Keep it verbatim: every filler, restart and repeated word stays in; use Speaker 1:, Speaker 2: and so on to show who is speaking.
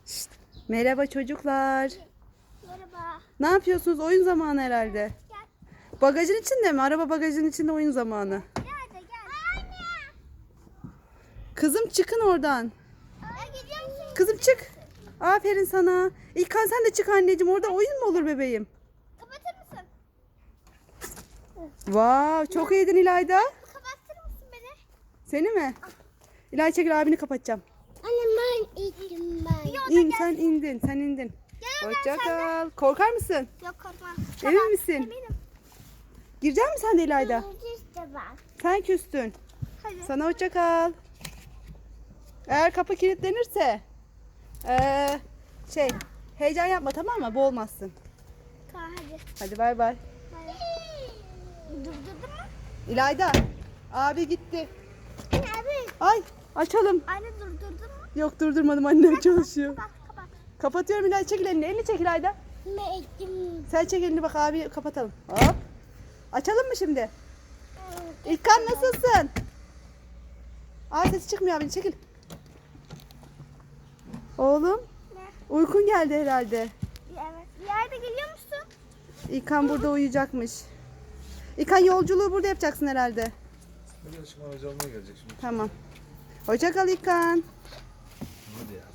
Speaker 1: Şşt, merhaba çocuklar.
Speaker 2: Merhaba.
Speaker 1: Ne yapıyorsunuz? Oyun zamanı herhalde.
Speaker 2: Gel.
Speaker 1: Bagajın içinde mi? Araba bagajın içinde oyun zamanı.
Speaker 2: Gel de gel. Anne.
Speaker 1: Kızım çıkın oradan.
Speaker 2: Ya gidiyor musun?
Speaker 1: Kızım çık. Aferin sana. İlkan sen de çık anneciğim. Orada oyun mu olur bebeğim?
Speaker 2: Kapatır mısın?
Speaker 1: Vav, çok iyiydin İlayda.
Speaker 2: Kapatır mısın beni?
Speaker 1: Seni mi? İlayda çekil, abini kapatacağım.
Speaker 2: Anne ben indim ben.
Speaker 1: İn, sen indin. Sen indin.
Speaker 2: Gel
Speaker 1: Hoşça kal. Korkar mısın?
Speaker 2: Yok korkma.
Speaker 1: Emin misin?
Speaker 2: Eminim.
Speaker 1: Girecek misin sen de İlayda?
Speaker 2: İşte ben.
Speaker 1: Sen küstün.
Speaker 2: Hadi.
Speaker 1: Sana hoşça kal. Eğer kapı kilitlenirse ee, şey heyecan yapma, tamam mı? Boğulmazsın.
Speaker 2: Tamam hadi.
Speaker 1: Hadi bay bay.
Speaker 2: Durdurdun mu?
Speaker 1: İlayda, abi gitti.
Speaker 2: Anne abi.
Speaker 1: Ay, açalım.
Speaker 2: Anne durdurdun mu?
Speaker 1: Yok, durdurmadım, annem çalışıyor.
Speaker 2: Kapat kapat.
Speaker 1: Kapatıyorum İlayda, çekil elini. Elini çek İlayda.
Speaker 2: Ne ettim?
Speaker 1: Sen çek elini, bak abi kapatalım. Hop. Açalım mı şimdi? İlkan nasılsın? Ay, sesi çıkmıyor abinin, çekil. Oğlum,
Speaker 2: Ne?
Speaker 1: uykun geldi herhalde.
Speaker 2: Evet. Bir yerde geliyor musun?
Speaker 1: İlkan burada uyuyacakmış. İlkan, yolculuğu burada yapacaksın herhalde.
Speaker 3: Hadi aşkım, aracı almaya gelecek şimdi.
Speaker 1: Tamam. Hoşça kal İlkan.
Speaker 3: Hadi ya.